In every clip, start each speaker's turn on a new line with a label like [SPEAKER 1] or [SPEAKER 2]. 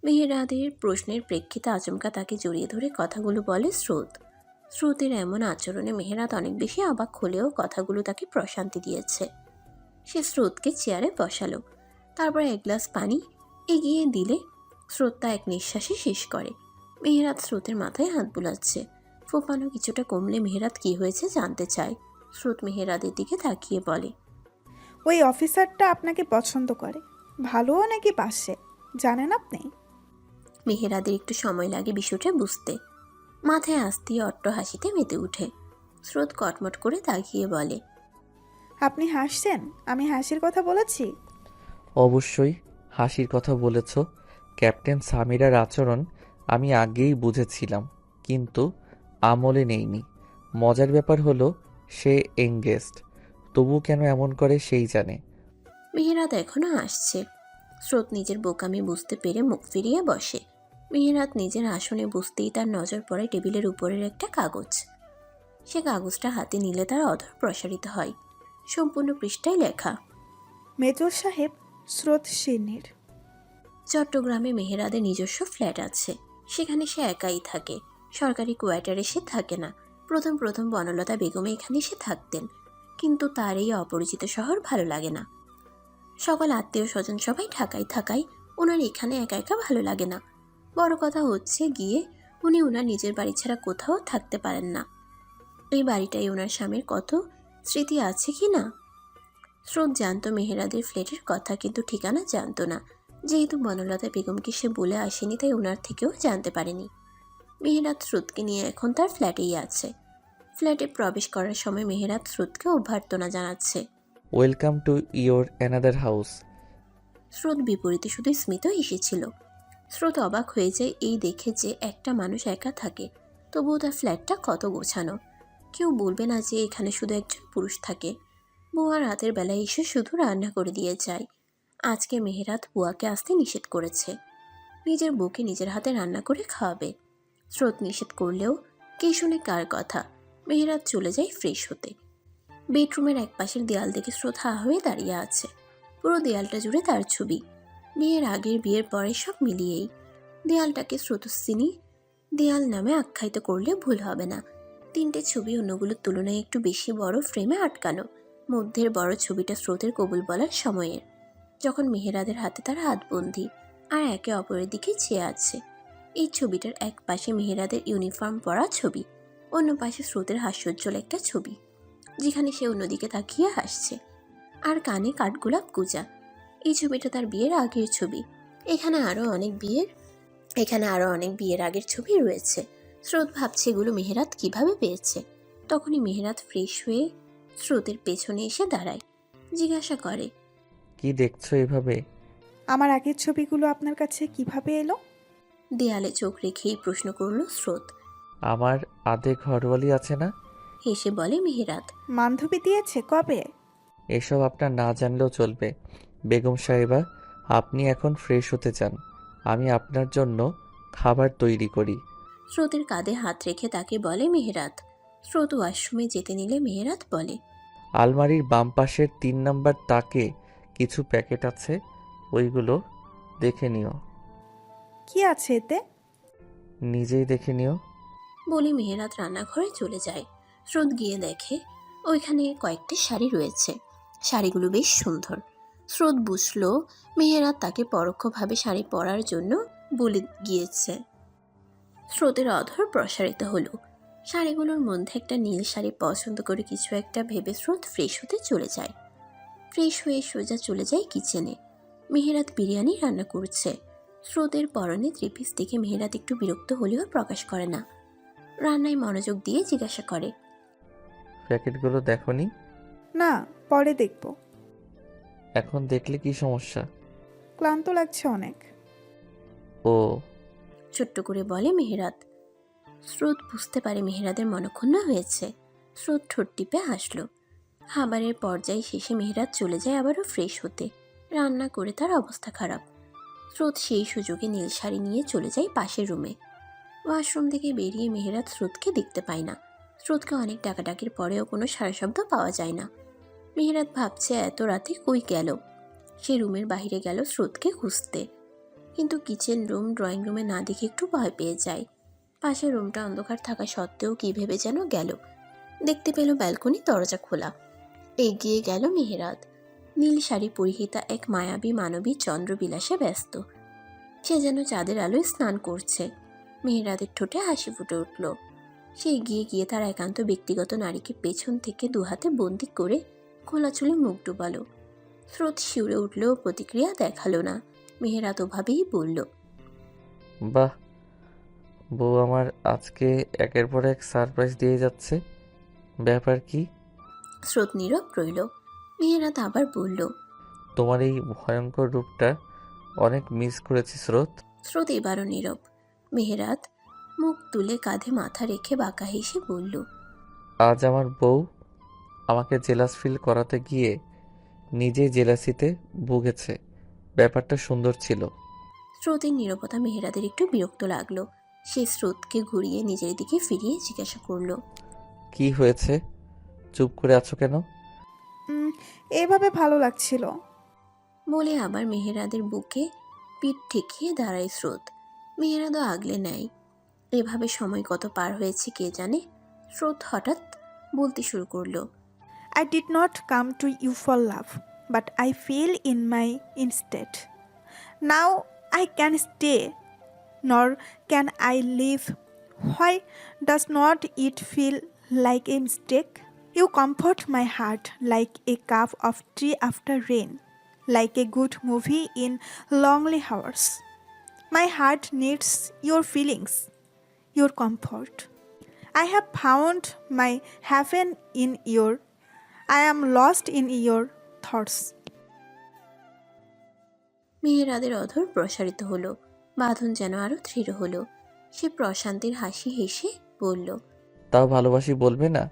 [SPEAKER 1] মেহেরাদের প্রশ্নের প্রেক্ষিতে আচমকা তাকে জড়িয়ে ধরে কথাগুলো বলে স্রোত। স্রোতের এমন আচরণে মেহেরাত অনেক বেশি অবাক হলেও কথাগুলো তাকে প্রশান্তি দিয়েছে। সে স্রোতকে চেয়ারে বসালো, তারপর এক গ্লাস পানি এগিয়ে দিলে স্রোত তা এক নিঃশ্বাসে শেষ করে। মেহেরাত স্রোতের মাথায় হাত বুলাচ্ছে। ফোপানো কিছুটা কমলে মেহেরাত কি হয়েছে জানতে চায়। স্রোত মেহেরাদের দিকে তাকিয়ে বলে,
[SPEAKER 2] ওই অফিসারটা আপনাকে পছন্দ করে, ভালোও নাকি বাসে, জানেন আপনি?
[SPEAKER 1] মেহেরাদের একটু সময় লাগে বিষয়টা বুঝতে। মাথায় আসতেই অট্ট হাসিতে মেতে উঠে। স্রোত কটমট করে তাকিয়ে বলে,
[SPEAKER 2] আপনি হাসছেন? আমি হাসির কথা বলেছি?
[SPEAKER 3] অবশ্যই হাসির কথা বলেছ। ক্যাপ্টেন সামিরার আচরণ আমি আগেই বুঝেছিলাম, কিন্তু আমলে নেইনি। মজার ব্যাপার হলো সে এঙ্গেজড, তবু কেন এমন করে সেই জানে।
[SPEAKER 1] মেহেরাত এখনো হাসছে। স্রোত নিজের বোকামি বুঝতে পেরে মুখ ফিরিয়ে বসে। মেহেরাত নিজের আসনে বসতেই তার নজর পড়ে টেবিলের উপরের একটা কাগজ। সে কাগজটা হাতে নিলে তার অধর প্রসারিত হয়। সম্পূর্ণ পৃষ্ঠায় লেখা,
[SPEAKER 2] মেজর সাহেব স্রোত সিন্নির।
[SPEAKER 1] চট্টগ্রামে মেহেরাদের নিজস্ব ফ্ল্যাট আছে। সেখানে সে একাই থাকে। সরকারি কোয়ার্টারে সে থাকে না। প্রথম প্রথম বনলতা বেগমে এখানে সে থাকতেন, কিন্তু তার এই অপরিচিত শহর ভালো লাগে না। সকল আত্মীয় স্বজন সবাই ঢাকায় থাকায় ওনার এখানে একা একা ভালো লাগে না। বড় কথা হচ্ছে গিয়ে উনি ওনার নিজের বাড়ি ছাড়া কোথাও থাকতে পারেন না। এই বাড়িটাই ওনার স্বামীর কত স্মৃতি আছে কি না। স্রোত জানতো মেহেরাদের ফ্ল্যাটের কথা, কিন্তু ঠিকানা জানতো না। যেহেতু বনলতা বেগমকে সে বলে আসেনি, তাই ওনার থেকেও জানতে পারেনি। মেহেরাত স্রোতকে নিয়ে এখন তার ফ্ল্যাটেই আছে। ফ্ল্যাটে প্রবেশ করার সময় মেহেরাত স্রোতকে অভ্যর্থনা জানাচ্ছে।
[SPEAKER 3] Welcome to your another house.
[SPEAKER 1] স্রোত বিপরীতে শুধু স্মিত এসেছিল। স্রোত অবাক হয়ে যায় এই দেখে যে একটা মানুষ একা থাকে, তবুও তার ফ্ল্যাটটা কত গোছানো। কেউ বলবে না যে এখানে শুধু একজন পুরুষ থাকে। বুয়া রাতের বেলায় এসে শুধু রান্না করে দিয়ে যায়। আজকে মেহেরাত বুয়াকে আসতে নিষেধ করেছে। নিজের বউকে নিজের হাতে রান্না করে খাওয়াবে। স্রোত নিষেধ করলেও কে শুনে কার কথা। মেহেরাত চলে যায় ফ্রেশ হতে। বেডরুমের এক পাশের দেয়াল দেখে স্রোত হা হয়ে দাঁড়িয়ে আছে। পুরো দেয়ালটা জুড়ে তার ছবি, বিয়ের আগের বিয়ের পরের সব মিলিয়েই। দেয়ালটাকে স্রোতস্বিনী দেয়াল নামে আখ্যায়িত করলে ভুল হবে না। তিনটে ছবি অন্যগুলোর তুলনায় একটু বেশি বড় ফ্রেমে আটকানো। মধ্যের বড় ছবিটা স্রোতের কবুল বলার সময়ের, যখন মেহেরাদের হাতে তার হাত বন্দি আর একে অপরের দিকে চেয়ে আছে। এই ছবিটার এক পাশে মেহেরাদের ইউনিফর্ম পরা ছবি, অন্য পাশে স্রোতের হাস্যোজ্জ্বল একটা ছবি, যেখানে সে অন্যদিকে তাকিয়ে হাসছে আর কানে কাঠগোলাপ গুজা। এই ছবিটা তার বিয়ের আগের ছবি। এখানে আরো অনেক বিয়ের আগের ছবি রয়েছে। স্রোত ভাবছে এগুলো মেহেরাত কিভাবে পেয়েছে। তখনই মেহেরাত ফ্রেশ হয়ে স্রোতের পেছনে এসে দাঁড়ায়। জিজ্ঞাসা করে,
[SPEAKER 3] কি দেখছো এভাবে?
[SPEAKER 2] আমার আগের ছবিগুলো আপনার কাছে কিভাবে এলো?
[SPEAKER 1] দেয়ালে চোখ রেখেই প্রশ্ন করল স্রোত।
[SPEAKER 3] আমার আধে ঘরওয়ালি আছে না?
[SPEAKER 1] হেসে বলে মেহেরাত।
[SPEAKER 2] বান্ধবী দিয়েছে? কবে?
[SPEAKER 3] এসব আপনার না জানলেও চলবে। বেগম সাহেবা, আপনি এখন ফ্রেশ হতে চান, আমি আপনার জন্য খাবার তৈরি করি।
[SPEAKER 1] স্রোতের কাঁধে হাত রেখে তাকে বলে মেহেরাত। স্রোত ওয়াশরুমে যেতে নিলে মেহেরাত বলে,
[SPEAKER 3] আলমারির বাম পাশের 3 নম্বর তাকে কিছু প্যাকেট আছে, ওইগুলো দেখে নিও।
[SPEAKER 2] কি আছে এতে?
[SPEAKER 3] নিজেই দেখে নিও।
[SPEAKER 1] বলে মেহেরাত রান্নাঘরে চলে যায়। স্রোত গিয়ে দেখে ওইখানে কয়েকটি শাড়ি রয়েছে। শাড়িগুলো বেশ সুন্দর। স্রোত বুঝলো মেহেরাত তাকে পরোক্ষভাবে শাড়ি পরার জন্য বলে গিয়েছে। স্রোতের অধর প্রসারিত হলো। শাড়িগুলোর মধ্যে একটা নীল শাড়ি পছন্দ করে কিছু একটা ভেবে স্রোত ফ্রেশ হতে চলে যায়। ফ্রেশ হয়ে সোজা চলে যায় কিচেনে। মেহেরাত বিরিয়ানি রান্না করছে। স্রোতের পরনে থ্রি-পিস দেখে মেহেরাত একটু বিরক্ত হলেও প্রকাশ করে না। রান্নায় মনোযোগ দিয়ে জিজ্ঞাসা করে,
[SPEAKER 3] প্যাকেটগুলো দেখোনি?
[SPEAKER 2] না, পরে দেখব।
[SPEAKER 3] এখন দেখলে কি সমস্যা?
[SPEAKER 2] ক্লান্ত লাগছে অনেক।
[SPEAKER 3] ও,
[SPEAKER 1] ছোট্ট করে বলে মেহেরাত। স্রোত বুঝতে পারে মেহেরাদের মনক্ষুণ্ণ হয়েছে। স্রোত ঠোঁট টিপে হাসল। খাবারের পর্যায়ে শেষে মেহেরাত চলে যায় আবারও ফ্রেশ হতে। রান্না করে তার অবস্থা খারাপ। স্রোত সেই সুযোগে নীল শাড়ি নিয়ে চলে যায় পাশের রুমে। ওয়াশরুম থেকে বেরিয়ে মেহেরাত স্রোতকে দেখতে পায় না। স্রোতকে অনেক ডাকাডাকির পরেও কোনো সাড়া শব্দ পাওয়া যায় না। মেহেরাত ভাবছে এত রাতে কই গেল। সে রুমের বাইরে গেল স্রোতকে খুঁজতে, কিন্তু কিচেন রুম ড্রয়িং রুমে না দেখে একটু ভয় পেয়ে যায়। পাশের রুমটা অন্ধকার থাকা সত্ত্বেও কী ভেবে যেন গেল। দেখতে পেল ব্যালকনি দরজা খোলা। এগিয়ে গেল মেহেরাত। নীল শাড়ি পরিহিতা এক মায়াবী মানবী চন্দ্রবিলাসে ব্যস্ত। সে যেন চাঁদের আলোয় স্নান করছে। মেহেরাতের ঠোঁটে হাসি ফুটে উঠল। সে এগিয়ে গিয়ে তার একান্ত ব্যক্তিগত নারীকে পেছন থেকে দুহাতে বন্দি করে খোলা চুলে মুখ ডুবালো। স্রোত শিউরে উঠলেও প্রতিক্রিয়া দেখালো না। মেহেরাত ওভাবেই বলল,
[SPEAKER 3] বাহ, বউ আমার আজকে একের পর এক সারপ্রাইজ দিয়ে যাচ্ছে। ব্যাপার কি?
[SPEAKER 1] স্রোত নীরব রইল। মেহেরাত আবার বলল,
[SPEAKER 3] তোমার এই ভয়ঙ্কর রূপটা অনেক মিস করেছি স্রোত।
[SPEAKER 1] স্রোত এবারও নীরব। মেহেরাত মুখ তুলে কাঁধে মাথা রেখে বাঁকা হেসে বলল,
[SPEAKER 3] আজ আমার বউ আমাকে জেলাস ফিল করাতে গিয়ে নিজেই জেলাসিতে ভুগেছে। ব্যাপারটা সুন্দর ছিল।
[SPEAKER 1] স্রোতের নীরবতা মেহেরাদের একটু বিরক্ত লাগলো। সে স্রোতকে ঘুরিয়ে নিজের দিকে ফিরিয়ে জিজ্ঞাসা করল,
[SPEAKER 3] কি হয়েছে? চুপ করে আছো কেন?
[SPEAKER 2] এভাবে ভালো লাগছিল।
[SPEAKER 1] বলে আবার মেহেরাদের বুকে পিঠ ঠেকিয়ে দাঁড়ায় স্রোত। মেহেরাদও আগলে নেয়। এভাবে সময় কত পার হয়েছে কে জানে। স্রোত হঠাৎ বলতে শুরু করলো,
[SPEAKER 2] I did not come to you for love, but I feel in my instead. Now I can stay, nor can I leave. Why does not it feel like a mistake? You comfort my heart like a cup of tea after rain, like a good movie in lonely hours. My heart needs your feelings, your comfort. I have found my heaven in your I am lost in your thoughts.
[SPEAKER 1] মেহেরাদের অধর প্রসারিত হলো। বাঁধন যেন আরো দৃঢ় হলো। সে প্রশান্তির হাসি হেসে বলল,
[SPEAKER 3] তাও ভালোবাসি বলবে না?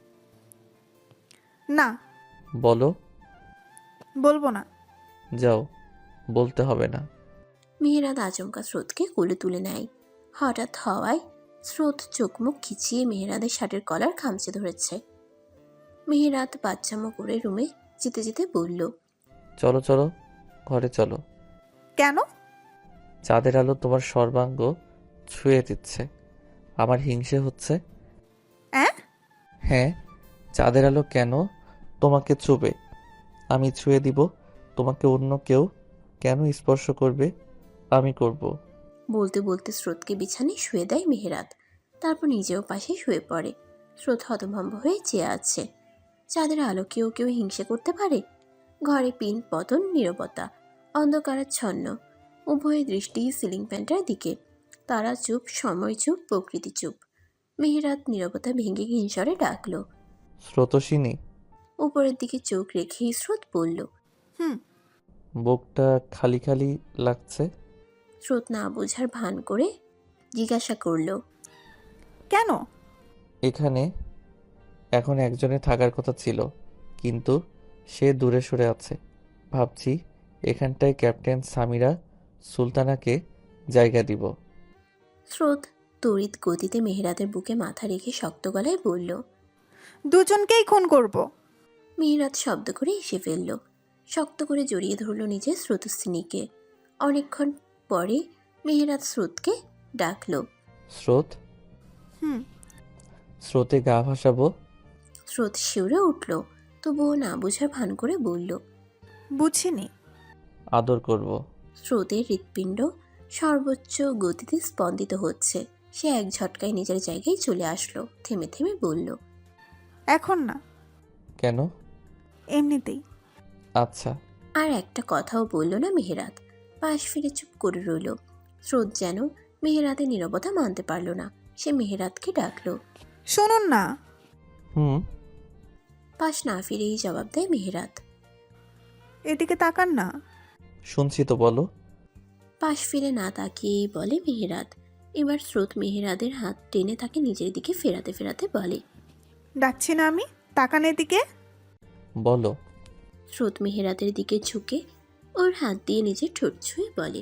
[SPEAKER 2] না,
[SPEAKER 3] বলো।
[SPEAKER 2] বলবো না।
[SPEAKER 3] যাও, বলতে হবে না।
[SPEAKER 1] মেহেরাদ আচমকা স্রোতকে কোলে তুলে নেয়। হঠাৎ হওয়ায় স্রোত চোখ মুখ খিচিয়ে মেহেরাদের শার্টের কলার খামচে ধরেছে। মেহেরাত বাচ্চামো করে রুমে যেতে যেতে বলল,
[SPEAKER 3] চলো চলো, ঘরে চলো।
[SPEAKER 2] কেন?
[SPEAKER 3] চাঁদের আলো তোমার সর্বাঙ্গ ছুঁয়ে দিচ্ছে, আমার হিংসে হচ্ছে।
[SPEAKER 2] অ্যাঁ?
[SPEAKER 3] হ্যাঁ, চাঁদের আলো কেন তোমাকে ছুবে? আমি ছুঁয়ে দিব, তোমাকে অন্য কেউ কেন স্পর্শ করবে? আমি করব।
[SPEAKER 1] বলতে বলতে স্রোতকে বিছানায় শুয়ে দেয় মেহেরাত। তারপর নিজেও পাশে শুয়ে পড়ে। স্রোত হতভম্ব হয়ে চেয়ে আছে। চাঁদের আলো কেউ কেউ হিংসে করতে পারে? ঘরে পিন পতন, নীরবতা, অন্ধকারাচ্ছন্ন। উভয়ের দৃষ্টি সিলিং ফ্যানটার দিকে। তারা চুপ, সময় চুপ, প্রকৃতি চুপ। মেহেরাত নীরবতা ভেঙে হিংসরে ডাকলো।
[SPEAKER 3] স্রোতসিনী।
[SPEAKER 1] উপরের দিকে চোখ রেখেই স্রোত বলল।
[SPEAKER 2] হুম।
[SPEAKER 3] বুকটা খালি খালি লাগছে।
[SPEAKER 1] স্রোত না বোঝার ভান করে জিজ্ঞাসা করল,
[SPEAKER 2] কেন?
[SPEAKER 3] এখানে এখন একজনের থাকার কথা ছিল, কিন্তু সে দূরে সরে আছে। ভাবছি এখানটায় ক্যাপ্টেন সামিরা সুলতানাকে জায়গা দিব।
[SPEAKER 1] স্রোত তড়িৎ গতিতে মেহেরাতের বুকে মাথা রেখে শক্ত গলায় বলল।
[SPEAKER 2] দুজনকেই খুন করব।
[SPEAKER 1] মেহেরাত শব্দ করে এসে ফেলল। শক্ত করে জড়িয়ে ধরল নিজের স্রোতস্বিনীকে। অনেকক্ষণ পরে মেহেরাত স্রোতকে ডাকল।
[SPEAKER 3] স্রোত।
[SPEAKER 2] হুম।
[SPEAKER 3] স্রোতে গা ভাসাবো।
[SPEAKER 1] স্রোত শিউরে উঠল, তবুও না বোঝার ভান করে বলল।
[SPEAKER 2] বুঝিনি।
[SPEAKER 3] আদর করব।
[SPEAKER 1] স্রোতের হৃৎপিণ্ড সর্বোচ্চ গতিতে স্পন্দিত হচ্ছে। সে এক ঝটকায় নিজের জায়গায় চলে আসলো। থেমে থেমে বলল,
[SPEAKER 2] এখন না,
[SPEAKER 3] কেন?
[SPEAKER 2] এমনিতেই।
[SPEAKER 3] আচ্ছা।
[SPEAKER 1] আর একটা কথাও বলল না মেহেরাত। পাশ ফিরে চুপ করে রইল। স্রোত যেন মেহেরাতের নীরবতা মানতে পারল না। সে মেহেরাতকে ডাকলো।
[SPEAKER 2] শুনুন না।
[SPEAKER 3] হুম।
[SPEAKER 1] পাশ না ফিরেই জবাব দেয় মেহেরাত।
[SPEAKER 2] এদিকে তাকান না।
[SPEAKER 3] শুনছি তো, বলো।
[SPEAKER 1] পাশ ফিরে না তাকিয়েই বলে মেহেরাত। এবার স্রোত মেহেরাদের হাত টেনে তাকে নিজের দিকে ফেরাতে ফেরাতে বলে,
[SPEAKER 2] ডাকছি না আমি, তাকান এদিকে।
[SPEAKER 3] বলো।
[SPEAKER 1] স্রোত মেহেরাতের দিকে ঝুঁকে ওর হাত দিয়ে নিজের ঠোঁট ছুঁয়ে বলে,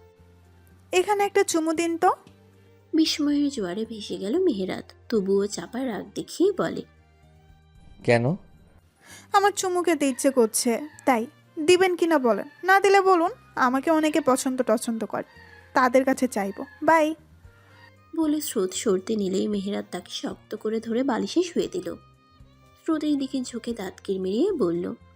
[SPEAKER 2] এখানে একটা চুমু দিন তো।
[SPEAKER 1] বিস্ময়ের জোয়ারে ভেসে গেল মেহেরাত। তবুও চাপা রাগ দেখিয়ে বলে,
[SPEAKER 3] কেন?
[SPEAKER 2] আমার চুমু খেতে ইচ্ছে করছে, তাই দিবেন কিনা বলেন, না দিলে বলুন। আমাকে অনেকে পছন্দ করে, তাদের কাছে চাইবো। বাই।
[SPEAKER 1] বলে স্রোত সরতে নিলেই মেহেরাত তাকে শক্ত করে ধরে বালিশে শুয়ে দিল। স্রোত এই দিকে ঝুঁকে দাঁত কিরমিরিয়ে বলল,